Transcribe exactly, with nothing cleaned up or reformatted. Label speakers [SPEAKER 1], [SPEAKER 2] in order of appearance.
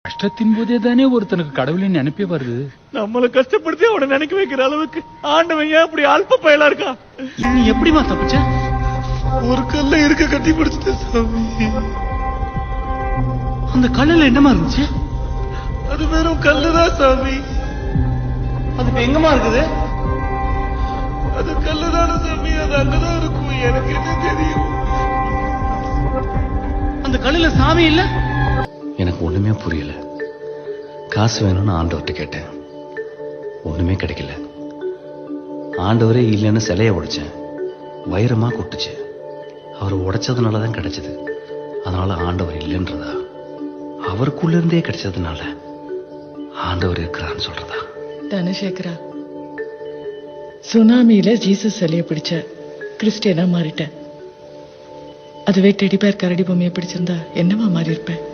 [SPEAKER 1] கஷ்டத்தின் போதே தானே ஒருத்தனுக்கு கடவுளின் நினைப்பே வருது.
[SPEAKER 2] நம்மள கஷ்டப்படுத்தி அவனை நினைக்க வைக்கிற அளவுக்கு ஆண்டவன் ஏன் அப்படி அல்ப பயலா இருக்கான்?
[SPEAKER 3] நீ எப்படிமா தப்பிச்ச?
[SPEAKER 2] ஒரு கல்ல இருக்க கட்டி பிடிச்சிட்ட சாமி.
[SPEAKER 3] அந்த கல்லுல என்னமா இருந்துச்சு?
[SPEAKER 2] அது வெறும் கல்லுதான் சாமி.
[SPEAKER 3] அது இப்ப எங்கம்மா இருக்குது?
[SPEAKER 2] அது கல்லுதான சாமி. அது அங்கதான் இருக்கும். எனக்கு என்ன தெரியும்?
[SPEAKER 3] அந்த கல்லுல சாமி இல்ல?
[SPEAKER 4] எனக்கு ஒண்ணுமே புரியல. காசு வேணும்னு ஆண்டவர்கிட்ட கேட்டேன், ஒண்ணுமே கிடைக்கல. ஆண்டவரே இல்லைன்னு சிலைய உடைச்சேன், வைரமா கொட்டுச்சு. அவர் உடைச்சதுனாலதான் கிடைச்சது. அதனால ஆண்டவர் இல்லைன்றதா, அவருக்குள்ள இருந்தே கிடைச்சதுனால ஆண்டவர் இருக்கிறான்னு சொல்றதா?
[SPEAKER 5] தனசேகரா, சுனாமியில ஜீசஸ் சிலைய பிடிச்ச கிறிஸ்டியனா மாறிட்டேன். அதுவே டெடி பேர் கரடி பொம்மையை பிடிச்சிருந்தா என்னவா மாறி இருப்பேன்?